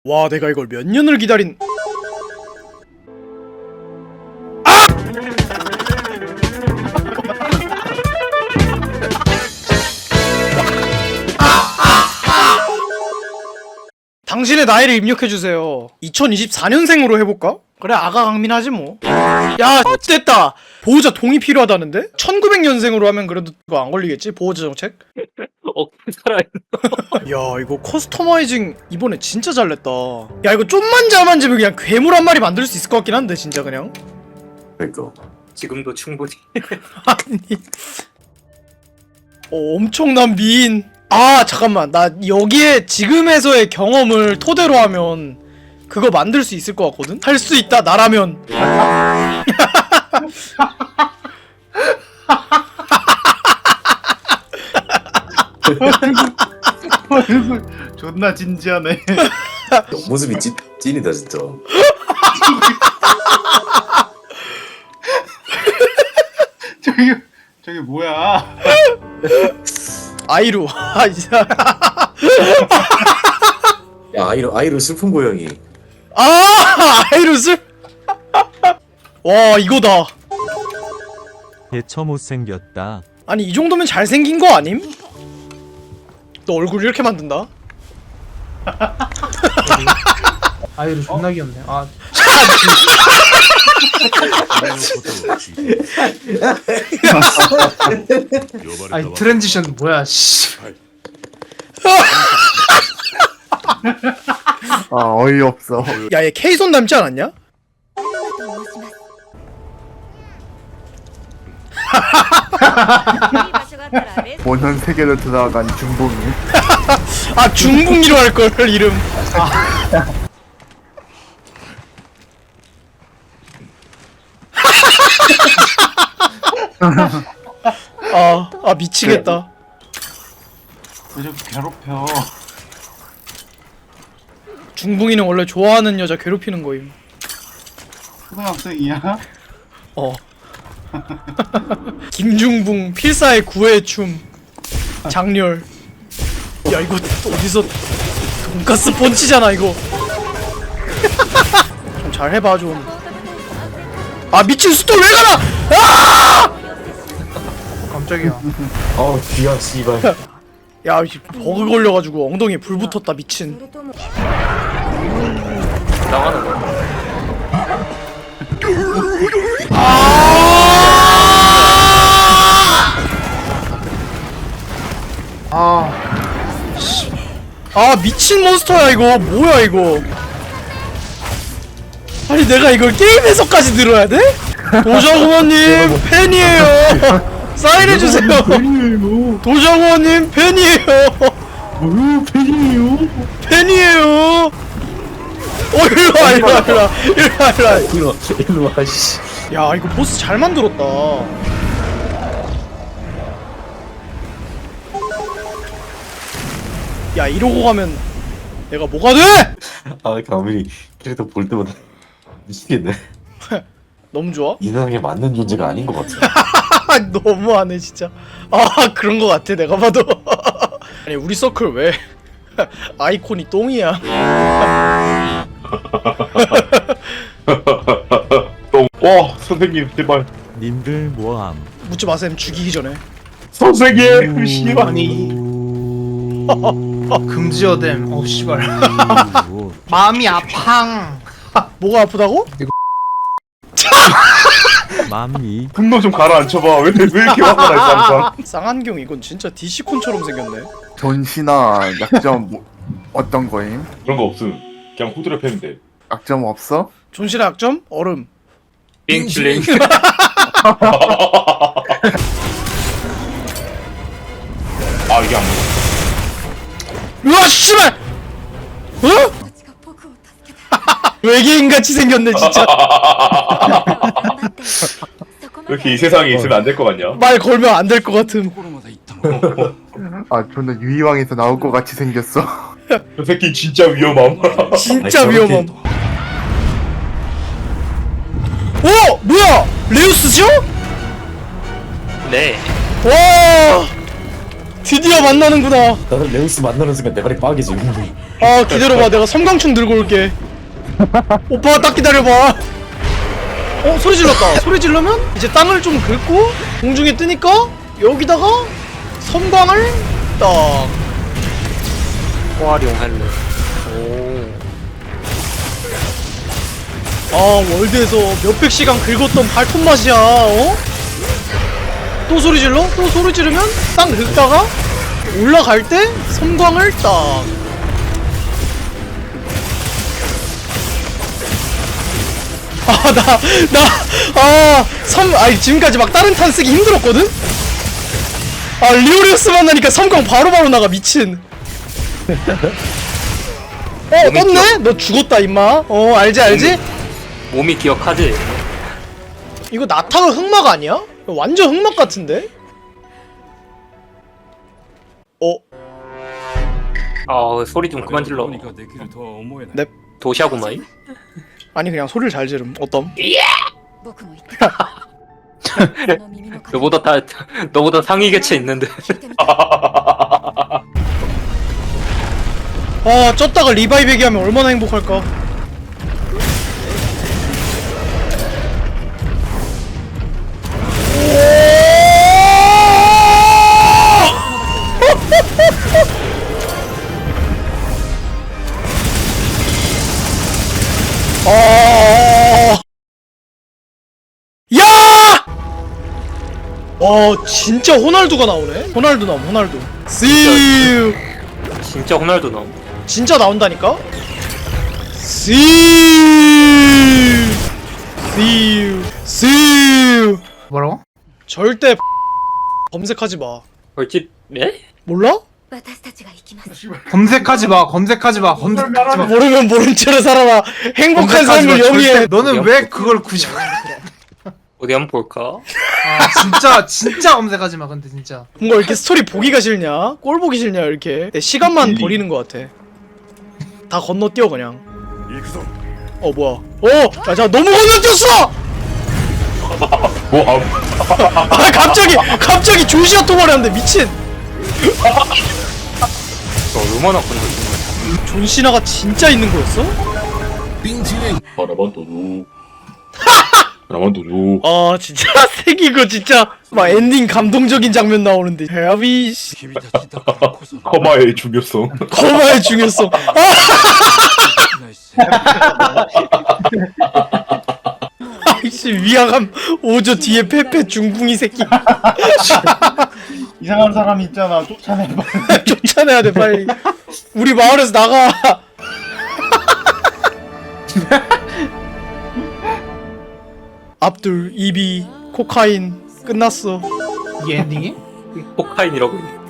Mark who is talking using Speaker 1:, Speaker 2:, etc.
Speaker 1: 와, 내가 이걸 몇 년을 기다린. 당신의 나이를 입력해주세요. 2024년생으로 해볼까? 그래, 아가 강민하지 뭐. 야, 됐다. 보호자 동의 필요하다는데? 1900년생으로 하면 그래도 그거 안 걸리겠지? 보호자 정책?
Speaker 2: 살아있어.
Speaker 1: 야, 이거 커스터마이징 이번에 진짜 잘 냈다. 야, 이거 좀만 잘 만지면 그냥 괴물 한 마리 만들 수 있을 것 같긴 한데, 진짜 그냥.
Speaker 3: 그니까
Speaker 2: 지금도 충분히.
Speaker 1: 아니. 엄청난 미인. 아, 잠깐만. 나 여기에 지금에서의 경험을 토대로 하면 그거 만들 수 있을 것 같거든? 할 수 있다, 나라면.
Speaker 4: 존나 진지하네.
Speaker 3: 모습이 찐이다 진짜.
Speaker 4: 저기 뭐야?
Speaker 1: 아이루. 아, 진짜.
Speaker 3: 야 아이로 슬픈 고양이.
Speaker 1: 아, 아이루 슬. 와, 이거다.
Speaker 5: 개처 못생겼다.
Speaker 1: 아니, 이 정도면 잘생긴 거 아님? 너 얼굴 이렇게 만든다?
Speaker 6: 아이로 존나 귀엽네. 아, 아니 트랜지션 뭐야? 씨.
Speaker 4: 아 어이없어.
Speaker 1: 야, 얘 K손 닮지 않았냐?
Speaker 4: 모현 세계로 들어간 중봉이.
Speaker 1: 아, 중붕이로 할걸, 이름. 아, 미치겠다.
Speaker 4: 왜 자꾸 괴롭혀?
Speaker 1: 중붕이는 원래 좋아하는 여자 괴롭히는 거임.
Speaker 4: 초등학생이야?
Speaker 1: 어. 김중붕 필사의 구애의 춤. 장렬. 야, 이거 어디서 돈가스 펀치잖아, 이거. 좀 잘 해봐, 좀. 아, 미친 스톨 왜 가나! 아!
Speaker 6: 깜짝이야.
Speaker 3: 어우 귀야 씨발.
Speaker 1: 야, 버그 걸려가지고 엉덩이에 불 붙었다, 미친.
Speaker 2: 나가는 거야. 아, 미친 몬스터야, 이거. 뭐야, 이거. 아니, 내가 이걸 게임에서까지 들어야 돼? 도자구원님, 팬이에요. 사인해주세요. 도자구원님, 팬이에요.
Speaker 4: 뭐요 팬이에요?
Speaker 1: 팬이에요. 일로와, 일로와, 일로와. 일로와, 일로와.
Speaker 3: 일로 와 씨.
Speaker 1: 야, 이거 보스 잘 만들었다. 야, 이러고 가면 내가 뭐가 돼?
Speaker 3: 아 가민이 캐릭터 볼 때마다 미치겠네.
Speaker 1: 너무 좋아?
Speaker 3: 이 세상에 맞는 존재가 아닌 것 같아.
Speaker 1: 너무하네, 진짜. 아, 그런 거 같아, 내가 봐도. 아니, 우리 서클 왜 아이콘이 똥이야?
Speaker 7: 와 선생님 제발
Speaker 5: 님들 뭐함?
Speaker 1: 묻지 마셈, 죽이기 전에.
Speaker 7: 선생님 씨발
Speaker 6: 금지어댐. 어 씨발. 마음이 아팡.
Speaker 1: 뭐가 아프다고?
Speaker 5: 맘이
Speaker 7: 분노 좀 가라앉혀봐. 왜 이렇게 화가 나 있어 항상.
Speaker 1: 쌍안경 이건 진짜 DC콘처럼 생겼네.
Speaker 4: 전시나 약점 어떤 거임?
Speaker 7: 그런 거 없음. 그냥 후드려 패면 돼.
Speaker 4: 약점 없어?
Speaker 1: 존실의 약점? 얼음.
Speaker 2: 빙클링.
Speaker 7: 아 이게 안 먹어.
Speaker 1: 으아, 씨발! 어? 외계인같이 생겼네, 진짜.
Speaker 7: 왜 이렇게 이 세상에 있으면 안 될 것 같냐?
Speaker 1: 말 걸면 안 될 것 같음.
Speaker 4: 아 존나 유이왕에서 나올 것 같이 생겼어.
Speaker 7: 저 새끼 진짜 위험함.
Speaker 1: 진짜
Speaker 3: 아니,
Speaker 1: 위험함. 오! 뭐야! 레우스죠?
Speaker 2: 네.
Speaker 1: 와! 드디어 만나는구나.
Speaker 3: 나는 레우스 만나는 순간 내 발이 빠개지.
Speaker 1: 아 기다려봐, 내가 섬광충 들고 올게. 오빠 딱 기다려봐. 소리 질렀다. 소리 지르면 이제 땅을 좀 긁고 공중에 뜨니까 여기다가 섬광을 딱.
Speaker 8: 활용할래.
Speaker 1: 아 월드에서 몇백 시간 긁었던 발톱 맛이야. 또 소리 질러? 또 소리 지르면 땅 긁다가 올라갈 때 섬광을 딱. 아니 지금까지 막 다른 탄 쓰기 힘들었거든? 아 리오리우스 만나니까 섬광 바로바로 나가. 미친. 떴네? 너 죽었다 임마. 알지?
Speaker 8: 몸이 기억하지?
Speaker 1: 이거 나타가 흑막 아니야? 이거 완전 흑막 같은데?
Speaker 8: 소리 좀 그만 질러.
Speaker 1: 넵.
Speaker 8: 도시하구마이?
Speaker 1: 아니 그냥 소리를 잘 지름. 어떤?
Speaker 8: 너보다 상위 개체 있는데.
Speaker 1: 아 쪘다가 리바이베기 하면 얼마나 행복할까. 야! 진짜 호날두가 나오네. 호날두 나옴. 호날두. See you.
Speaker 8: 진짜 호날두 나옴.
Speaker 1: 진짜 나온다니까? See you.
Speaker 6: 뭐라고?
Speaker 1: 절대 검색하지 마.
Speaker 8: 벌집 예?
Speaker 1: 몰라?
Speaker 6: 검색하지 마. 검색하지 마.
Speaker 1: 모르면 모른 채로 살아라. 행복한 삶을 영위해.
Speaker 6: 너는 왜 그걸 굳이
Speaker 8: 어디 한번 볼까?
Speaker 6: 진짜 검색하지 마. 근데 진짜.
Speaker 1: 뭔가 이렇게 스토리 보기가 싫냐? 꼴 보기 싫냐? 이렇게 내 시간만 버리는 것 같아. 다 건너뛰어 그냥. 뭐야? 자 너무 건너뛰었어!
Speaker 7: 뭐
Speaker 1: 갑자기 조시아 토벌했는데 미친.
Speaker 8: 얼마나 건너뛴 거야?
Speaker 1: 존 시나가 진짜 있는 거였어?
Speaker 7: 라만도루.
Speaker 1: 아 진짜 새기고 진짜 막 엔딩 감동적인 장면 나오는데 헤비
Speaker 7: 커마의 중요성.
Speaker 1: 커마의 중요성. 아이씨 위화감 5조 뒤에 페페 중붕이 새끼.
Speaker 4: 이상한 사람이 있잖아. 쫓아내봐.
Speaker 1: 쫓아내야 돼 빨리. 우리 마을에서 나가. 압둘, 이비, 코카인 끝났어.
Speaker 6: 이게 엔딩이?
Speaker 8: 코카인이라고 있네.